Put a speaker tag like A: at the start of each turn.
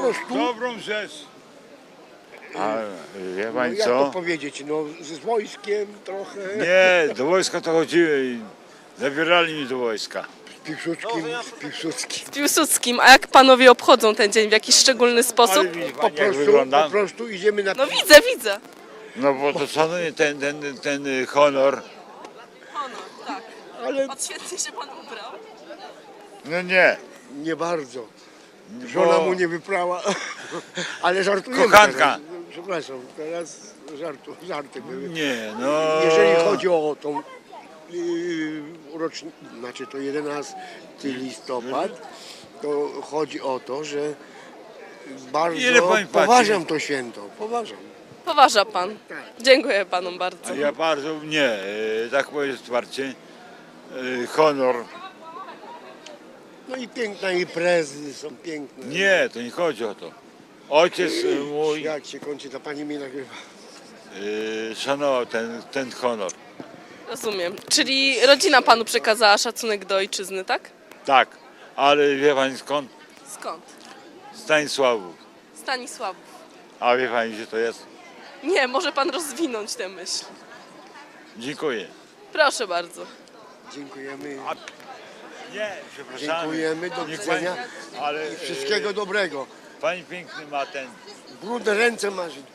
A: prostu,
B: dobrą rzecz.
C: A wie
A: no,
C: pani
A: jak to
C: co?
A: powiedzieć, no z wojskiem trochę,
B: Nie, do wojska to chodziły i zabierali mnie do wojska.
A: z Piłsudskim.
D: Z Piłsudskim. A jak panowie obchodzą ten dzień? W jakiś szczególny sposób?
B: Ale widzi
A: Po
B: pani jak
A: prostu,
B: wygląda?
A: po prostu idziemy na
D: No widzę, widzę.
B: No bo to szanuje ten honor.
D: Honor, tak.
A: ale
D: Odświetnie się pan ubrał.
B: No nie.
A: nie bardzo. Żona mu nie wyprała, ale żartujemy.
B: Kochanka.
A: Teraz. Przepraszam, teraz żarty były.
B: Nie, no.
A: Jeżeli chodzi o tą rocznicę, znaczy to 11 listopad, to chodzi o to, że
B: Ile
A: bardzo
B: pani płaci?
A: poważam to święto, poważam.
D: Poważa pan. Dziękuję panom bardzo.
B: A ja bardzo nie, tak powiem wsparcie. Honor.
A: No i piękne imprezy są piękne.
B: Nie, to nie chodzi o to. Ojciec mój
A: Jak się kończy, ta pani mnie nagrywa.
B: szanował ten honor.
D: Rozumiem. Czyli rodzina panu przekazała szacunek do ojczyzny, tak?
B: Tak, ale wie pani skąd?
D: Skąd?
B: Stanisławów.
D: Stanisławów.
B: A wie pani gdzie to jest?
D: Nie, może pan rozwinąć tę myśl.
B: Dziękuję.
D: Proszę bardzo.
A: Dziękujemy.
B: Nie, przepraszam.
A: Dziękujemy, do widzenia.
B: Ale
A: Wszystkiego dobrego.
B: pani piękny ma ten.
A: Brudne ręce masz.